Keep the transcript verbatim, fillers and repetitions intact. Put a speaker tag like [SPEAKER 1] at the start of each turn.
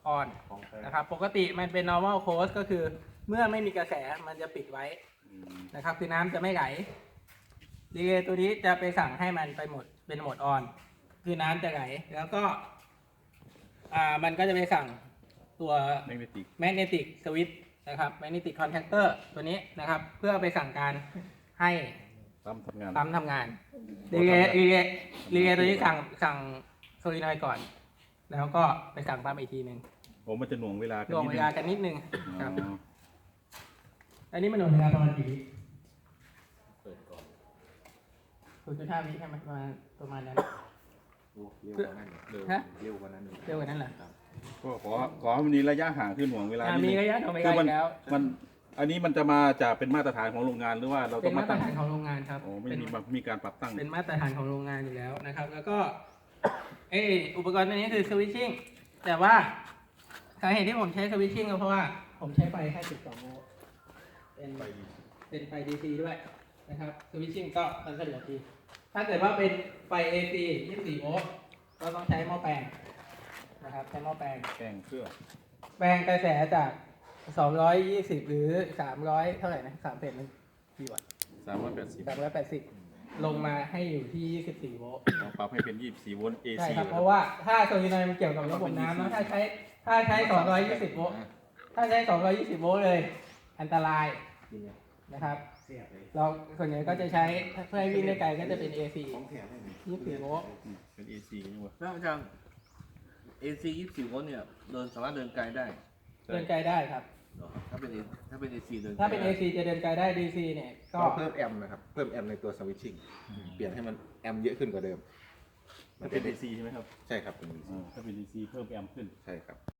[SPEAKER 1] on นะครับปกติมันเป็น normal close ก็คือเมื่อไม่มีกระแสมันจะปิดไว้นะครับคือน้ำจะไม่ไหลดีเลย์ตัวนี้จะไปสั่งให้มันไปหมดเป็นโหมด on คือน้ำจะไหลแล้วก็อ่ามันก็จะไปสั่งตัว
[SPEAKER 2] magnetic
[SPEAKER 1] magnetic switch นะครับ magnetic contactor ตัวนี้นะครับเพื่อไปสั่งการให้
[SPEAKER 2] ปั๊มทำงาน
[SPEAKER 1] ปั๊มทำงานรีเลย์รีเลย์รีเลย์ตัวนี้สั่งสั่งโซลินอยด์ก่อนแล้วก็ไปสั่งปั๊มอีกทีหนึ่ง
[SPEAKER 2] โอ้มันจะหน่วงเวลากัน
[SPEAKER 1] หน่วง
[SPEAKER 2] นิด
[SPEAKER 1] เว
[SPEAKER 2] นึง
[SPEAKER 1] ลากันนิดนึงครับ
[SPEAKER 2] อ๋อ
[SPEAKER 1] อันนี้มันหน่วงเวลาประมาณกี่วิ
[SPEAKER 3] เปิดก่อน
[SPEAKER 1] ศูนย์จุดห้าวิใช่ไหมประมาณประมาณนั้น
[SPEAKER 3] โอ้เร็วกว่านั้นเร็ว
[SPEAKER 1] ฮะ
[SPEAKER 3] เร็วกว่านั้น
[SPEAKER 1] เร็วกว่านั้นเหรอ
[SPEAKER 2] ก็ขอขอให้มันมีระยะห่างขึ้นหน่วงเวลา
[SPEAKER 1] อ่า
[SPEAKER 2] นิด
[SPEAKER 1] มี
[SPEAKER 2] นึง
[SPEAKER 1] ระยะหน่วงเว
[SPEAKER 2] คื
[SPEAKER 1] ลา
[SPEAKER 2] อมั
[SPEAKER 1] อน ยู่แล้ว
[SPEAKER 2] มันอันนี้มันจะมาจากเป็นมาตรฐานของโรงงานหรือว่าเรา
[SPEAKER 1] เป็
[SPEAKER 2] ต้อน ง
[SPEAKER 1] มา
[SPEAKER 2] มา
[SPEAKER 1] ตร
[SPEAKER 2] ตั้ง
[SPEAKER 1] ฐานของโรงงานครับ
[SPEAKER 2] โอ้ไม่
[SPEAKER 1] เป็น
[SPEAKER 2] มีมีการปรับตั้ง
[SPEAKER 1] เป็นมาตรฐานของโรงงานอยู่แล้วนะครับ แล้วก็เอออุปกรณ์ตัวนี้คือสวิตชิ่งแต่ว่าสาเหตุที่ผมใช้สวิตชิ่งก็เพราะว่าผมใช้ไฟแค่สิบสองโวลต์เป็น
[SPEAKER 2] ไป
[SPEAKER 1] เป็นไฟ ดี ซี ด้วยนะครับสวิตชิ่งก็มันสะดวกดีถ้าเกิดว่าเป็นไฟ เอ ซี ยี่สิบสี่โวลต์ก็ต้องใช้หม้อแปลงนะครับใช้หม้อแปลง
[SPEAKER 2] แกงเครื่อง
[SPEAKER 1] แปลงกระแสจากสองร้อยยี่สิบหรือสามร้อยเท่าไหร่นะสามเศษมันกี่วัตต์
[SPEAKER 2] สามร้อยแปดสิบ
[SPEAKER 1] สามร้อยแปดสิบลงมาให้อยู่ที่ยี่สิบสี่โวลต์
[SPEAKER 2] เราปรับให้เป็นยี่สิบสี่โวลต์ เอ
[SPEAKER 1] ใช่
[SPEAKER 2] ซี
[SPEAKER 1] ครับเพราะว่าถ้าโซลินอยด์มันเกี่ยวกับระบบน้ำนะถ้าใช้ถ้าใช้สองร้อยยี่สิบโวลต์ถ้าใช้สองร้อยยี่สิบโวลต์เลยอันตรายนะครับ
[SPEAKER 3] เสียบเลย
[SPEAKER 1] เราส่วนใหญ่ก็จะใช้เพื่อให้วิ่งได้ไกลก็จะเป็น เอ ซี
[SPEAKER 3] ของแถมให้หน่อย
[SPEAKER 1] ยี่สิบสี่โวลต์
[SPEAKER 2] เป็น เอ ซีนี่วะ
[SPEAKER 4] แล้วอาจารย์ เอ ซี ยี่สิบสี่โวลต์เนี่ยเดินสามารถเดินไกลได้
[SPEAKER 1] เดินไกลได้ครับ
[SPEAKER 4] เหรอถ้าเป็น A ถ้าเป็น เอ ซี เดินไกล
[SPEAKER 1] ถ้าเป็น
[SPEAKER 4] ได้
[SPEAKER 1] เอ ซี จะเดินไกลได้ ดี ซี เนี่ยก็
[SPEAKER 3] เราเพิ่มแอมป์นะครับ เพิ่มแอมป์ในตัวสวิตชิ่งเปลี่ยนให้มันแอมป์เยอะขึ้นกว่าเดิม
[SPEAKER 2] ถ้าเป็น เอ ซีใช่ไหมครับ
[SPEAKER 3] ใช่ครับเป็น
[SPEAKER 2] อ่าถ้าเป็น เอ ซี เพิ่มแอมป์ขึ้น
[SPEAKER 3] ใช่ครับ